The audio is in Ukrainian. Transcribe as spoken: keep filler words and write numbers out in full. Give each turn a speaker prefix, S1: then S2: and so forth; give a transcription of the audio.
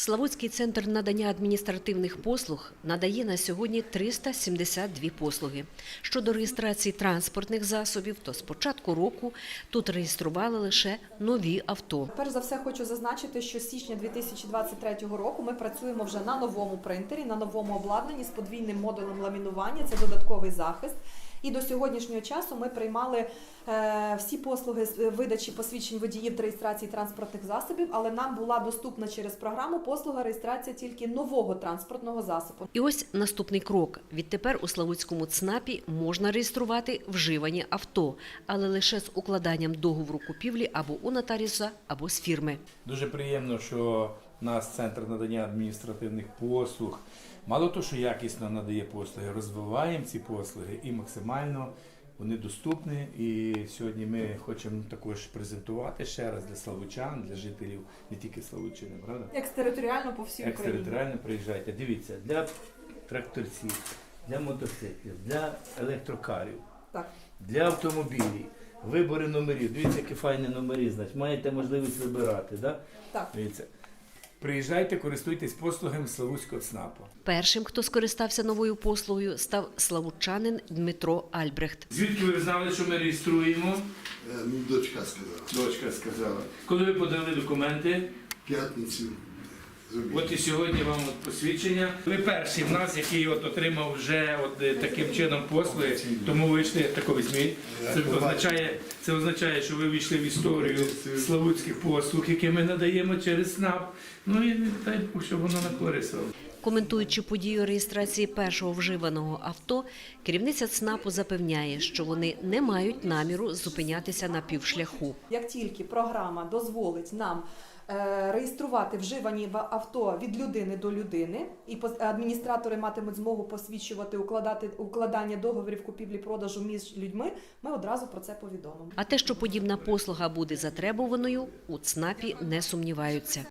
S1: Славутський центр надання адміністративних послуг надає на сьогодні триста сімдесят дві послуги. Щодо реєстрації транспортних засобів, то з початку року тут реєстрували лише нові авто.
S2: Перш за все хочу зазначити, що з січня дві тисячі двадцять третього року ми працюємо вже на новому принтері, на новому обладнанні з подвійним модулем ламінування, це додатковий захист. І до сьогоднішнього часу ми приймали е, всі послуги з видачі посвідчень водіїв та реєстрації транспортних засобів, але нам була доступна через програму послуга реєстрація тільки нового транспортного засобу.
S1: І ось наступний крок. Відтепер у Славутському ЦНАПі можна реєструвати вживані авто, але лише з укладанням договору купівлі або у нотаріуса, або з фірми.
S3: Дуже приємно, що у нас Центр надання адміністративних послуг, мало того, що якісно надає послуги, розвиваємо ці послуги і максимально вони доступні. І сьогодні ми хочемо також презентувати ще раз для славучан, для жителів не тільки Славутчини, правда?
S2: Екстериторіально по всій Україні.
S3: Екстериторіально приїжджайте. Дивіться, для тракторців, для мотоциклів, для електрокарів,
S2: Так.
S3: для автомобілів. Вибори номерів. Дивіться, які файні номери, значить, маєте можливість вибирати, да?
S2: Так.
S3: Дивіться. Приїжджайте, користуйтесь послугами Славутського ЦНАПу.
S1: Першим, хто скористався новою послугою, став славутчанин Дмитро Альбрехт.
S3: Звідки ви знали, що ми реєструємо?
S4: Е, ну, дочка сказала.
S3: Дочка сказала. Коли ви подали документи?
S4: П'ятницю. зробіть.
S3: От і сьогодні вам от посвідчення. Ви перший в нас, який от отримав вже от е, таким чином послуги, тому ви йшли тако візьміть. Це означає, це означає, що ви війшли в історію славутських послуг, які ми надаємо через СНАП. Ну і дай Бог, щоб воно на користь вам.
S1: Коментуючи подію реєстрації першого вживаного авто, керівниця ЦНАПу запевняє, що вони не мають наміру зупинятися на півшляху.
S2: Як тільки програма дозволить нам е, реєструвати вживані в- авто від людини до людини, і пос- адміністратори матимуть змогу посвідчувати укладати укладання договорів купівлі-продажу між людьми, ми одразу про це повідомимо.
S1: А те, що подібна послуга буде затребуваною, у ЦНАПі не сумніваються.